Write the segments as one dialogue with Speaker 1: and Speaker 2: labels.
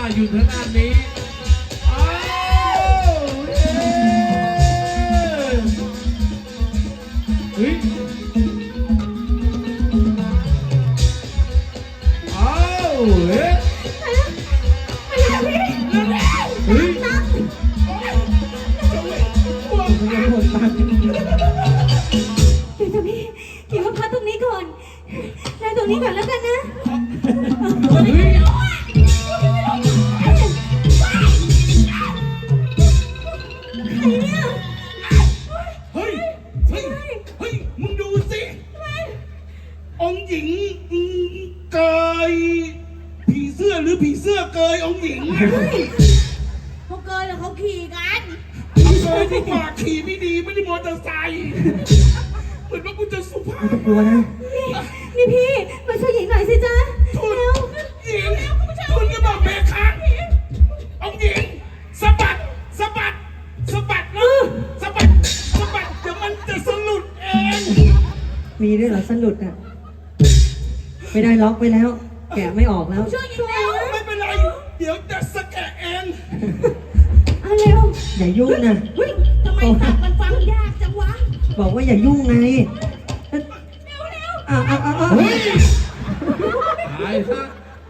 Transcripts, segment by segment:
Speaker 1: อยู่ทางด้านนี้อ้าวเฮ้ยอ้าวเฮ้ยเฮ้ยหมดตังค์
Speaker 2: เดี๋ยวจะพี่เดี๋ยวพักตรงนี้ก่อนนั่งตรงนี้ก่อนแล้วกันนะ
Speaker 1: เฮ้ย
Speaker 2: ใครเนี่ย
Speaker 3: เฮ้ย เฮ้ย เฮ้ย มึงดูสิ องค์หญิงเกยผีเสื้อหรือผีเสื้อเกยองค์หญิง
Speaker 2: เขาเกินแล้วเขาขี่กัน
Speaker 3: เอาเกยดีกว่าขี่ไม่ดีไม่ได้มอเตอร์ไซค์เหมือนว่ากูจะสุภาพ
Speaker 4: กลัวนะ
Speaker 2: นี่พี่มาช่วยหญิงหน่อยสิจ๊ะ
Speaker 3: ทุน
Speaker 2: เร็ว
Speaker 3: หญิงทุนก็บอกแม่ค้าองค์หญิงสะบัดสะบัดสะบัดนะสะบัดสะบัดเดี๋ยวมันจะสลุดเอง
Speaker 4: มีด้วยเหรอสลุดอ่ะ ไม่ได้ล็อกไปแล้ว แกะไม่ออกแล้ว
Speaker 2: ช่วยหญิงแล้ว
Speaker 3: ไม่เป็นไร เดี๋ยวจะสแกะเอง
Speaker 2: เอาเร็ว
Speaker 4: อย่ายุ่งนะ
Speaker 2: เฮ้ยทำไมตัดมันฟังยากจังวะ
Speaker 4: บอกว่าอย่ายุ่งไง
Speaker 2: เร็วเร็ว
Speaker 4: อ้าวอ้าวอ้าวอ้าว
Speaker 1: เฮ้ยตายซะ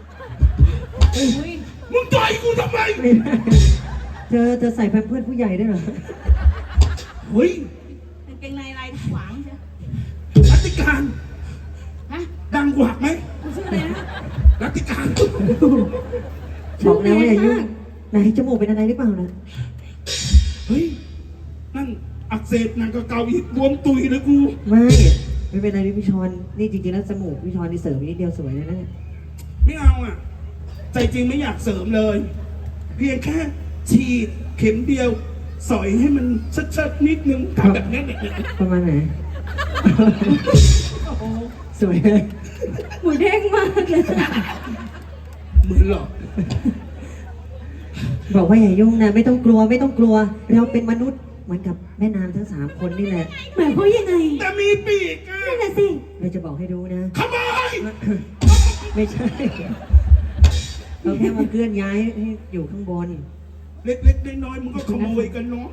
Speaker 3: มึงต่อยกูทำไม
Speaker 4: ไม่ได้เธอใส่แพมเพิร์สผู้ใหญ่ด้วยเหรอ
Speaker 3: เฮ้ย
Speaker 2: กางเกงในลายขวางใช่
Speaker 3: รัติการ
Speaker 2: ฮะ
Speaker 3: ดังกว่าไหม
Speaker 2: คุณชื่ออะไรนะ
Speaker 3: รัติการ
Speaker 4: บอกแล้วว่าอย่ายุ่งไหนจมูกเป็นอะไรหรือเปล่านะ
Speaker 3: เฮ้ย นั่นอักเสบหนังเก่าๆอีกบวมตุยเลยกู
Speaker 4: ไม่เป็นไรนี่พี่ชอนนี่จริงๆแล้วจมูกพี่ชอนนี่เสริมนิดเดียวสวยเลยนะ
Speaker 3: ไม่เอาอ่ะ ใจจริงไม่อยากเสริมเลย เพียงแค่ฉีดเข็มเดียว สอยให้มันชัดๆนิดนึงทำแบบนี้เนี่ย
Speaker 4: ประมาณไหน สวยเลย
Speaker 2: หมูเด้งมากเลย
Speaker 3: เหมือนหรอก
Speaker 4: บอกว่าอย่ายุ่งนะไม่ต้องกลัวไม่ต้องกลัว เราเป็นมนุษย์เหมือนกับแม่นางทั้ง3 คนนี่แหละ
Speaker 2: หมายความยังไง
Speaker 3: แต่มีปีกอ่ะ
Speaker 2: นั่นน่ะสิ
Speaker 4: เราจะบอกให้รู้นะ
Speaker 3: ขโมย
Speaker 4: ไม่ใช่ เราแค่มาเคลื่อนย้ายให้อยู่ข้างบน
Speaker 3: เล็กๆน้อยๆมึงก็ขโมยกันเนาะ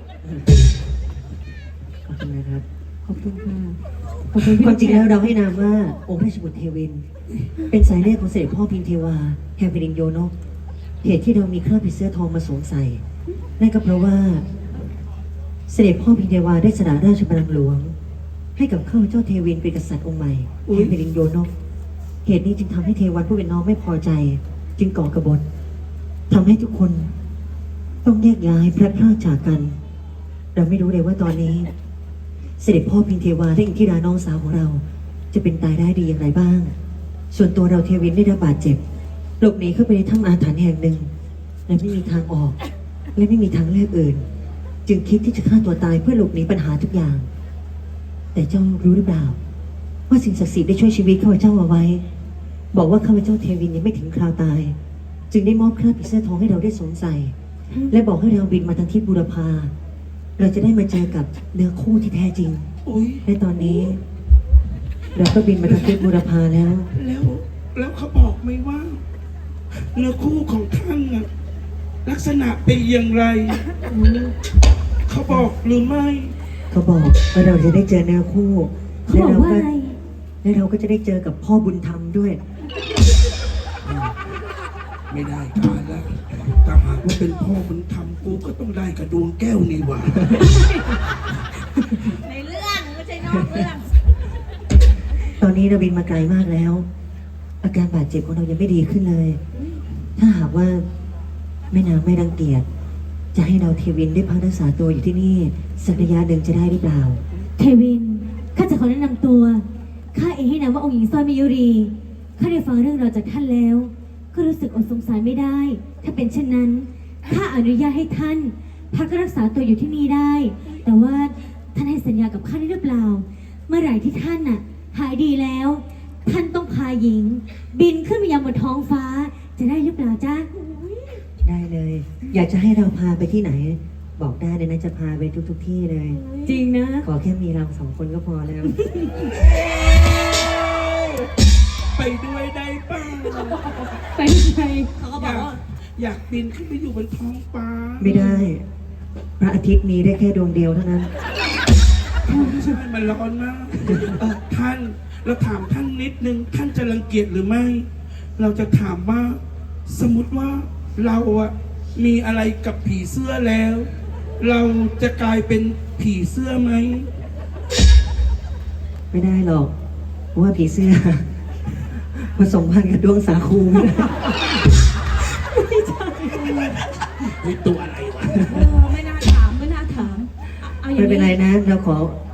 Speaker 4: ขอบคุณนะครับ
Speaker 2: ขอบคุณค่ะ
Speaker 4: ขอบคุณความจริงแล้วเราให้นามว่าองค์ราชบุตรเทวิน เป็นสายเลือดของเสด็จพ่อพิมเทวาแห่งแผ่นดินโยนกเหตุที่เรามีเครื่องผีเสื้อทองมาสวมใส่นั่นก็เพราะว่า เสด็จพ่อพิมเทวาได้สละราชบัลลังก์หลวง ให้กับข้าพเจ้าเทวินเป็นกษัตริย์องค์ใหม่แห่งแผ่นดินโยนกเหตุนี้จึงทำให้เทวันผู้เป็นน้องไม่พอใจ จึงก่อกบฏทำให้ทุกคนต้องแยกย้ายพลัดพรากจากกัน เราไม่รู้เลยว่าตอนนี้ เสด็จพ่อพิมเทวาและอินทิราน้องสาวของเรา จะเป็นตายได้ดีอย่างไรบ้าง ส่วนตัวเราเทวินได้รับบาดเจ็บหลบหนีเข้าไปในถ้ำอาถรรพ์แห่งหนึ่งและไม่มีทางออก และไม่มีทางเลือกอื่น จึงคิดที่จะฆ่าตัวตายเพื่อหลบหนีปัญหาทุกอย่าง แต่เจ้ารู้หรือเปล่า ว่าสิ่งศักดิ์สิทธิ์ได้ช่วยชีวิตข้าพเจ้าเอาไว้ บอกว่าข้าพเจ้าเทวินยังไม่ถึงคราวตาย จึงได้มอบเครื่องผีเสื้อทองให้เราได้สวมใส่ และบอกให้เราบินมาทางทิศบูรพาเราจะได้มาเจอกับเนื้อคู่ที่แท้จริง
Speaker 3: อุ้ย
Speaker 4: และตอนนี้ เราก็บินมาทางทิศบูรพาแล้ว
Speaker 3: แล้วเขาบอกไหมว่า เนื้อคู่ของท่านน่ะลักษณะเป็นอย่างไร เขาบอกหรือไม่
Speaker 4: เขาบอกว่าเราจะได้เจอเนื้อคู่
Speaker 2: เขาบอกว่าอะไร
Speaker 4: และเราก็จะได้เจอกับพ่อบุญธรรมด้วย
Speaker 3: ไม่ได้การแล้วถ้าหากว่าเป็นพ่อมึงทำกูก็ต้องได้กระดวงแก้วนี่หว่า
Speaker 2: ในเรื่องไม่ใช่นอกเรื่อง
Speaker 4: ตอนนี้เราบินมาไกลมากแล้ว อาการบาดเจ็บของเรายังไม่ดีขึ้นเลย ถ้าหากว่าแม่นางไม่รังเกียจจะให้เราเทวินได้พักรักษาตัวอยู่ที่นี่สักระยะหนึ่งจะได้หรือเปล่า
Speaker 2: เทวิน ข้าจะขอแนะนำตัว ข้าเองให้นามว่าองค์หญิงสร้อยมิยุรี ข้าได้ฟังเรื่องราวจากท่านแล้ว ก็รู้สึกอดสงสารไม่ได้ ถ้าเป็นเช่นนั้น ข้าอนุญาตให้ท่านพักรักษาตัวอยู่ที่นี่ได้ แต่ว่าท่านให้สัญญากับข้าได้หรือเปล่า เมื่อไหร่ที่ท่านน่ะหายดีแล้ว ท่านต้องพาหญิง บินขึ้นไปยังบนท้องฟ้า จะได้หรือเปล่าจ๊ะ
Speaker 4: ได้เลย อยากจะให้เราพาไปที่ไหน บอกได้เลยนะจะพาไปทุกที่เลย
Speaker 2: จริงนะ
Speaker 4: ขอแค่มีเรา2 คนก็พอแล้ว
Speaker 3: ไปด้วยได้ป่ะ
Speaker 2: ไปไหนเขาก็บอกว่า
Speaker 3: อยากบินขึ้นไปอยู่บนท้องฟ้า
Speaker 4: ไม่ได้ พระอาทิตย์มีได้แค่ดวงเดียวเท่านั้น
Speaker 3: ใช่ไหมมันร้อนมากท่านเราถามท่านนิดนึงท่านจะรังเกียจหรือไม่ เราจะถามว่าสมมติว่าเราอะมีอะไรกับผีเสื้อแล้ว เราจะกลายเป็นผีเสื้อไหม
Speaker 4: ไม่ได้หรอกเพราะว่าผีเสื้อ ผสมพันธุ์กับดวงสาคูไม่ได้
Speaker 3: มีตัวอะไรวะ
Speaker 1: ไม่น่าถาม ไม่น่าถาม เอาอย่าง
Speaker 4: ไม่เป็นไร
Speaker 1: นี้
Speaker 4: นะ เราขอ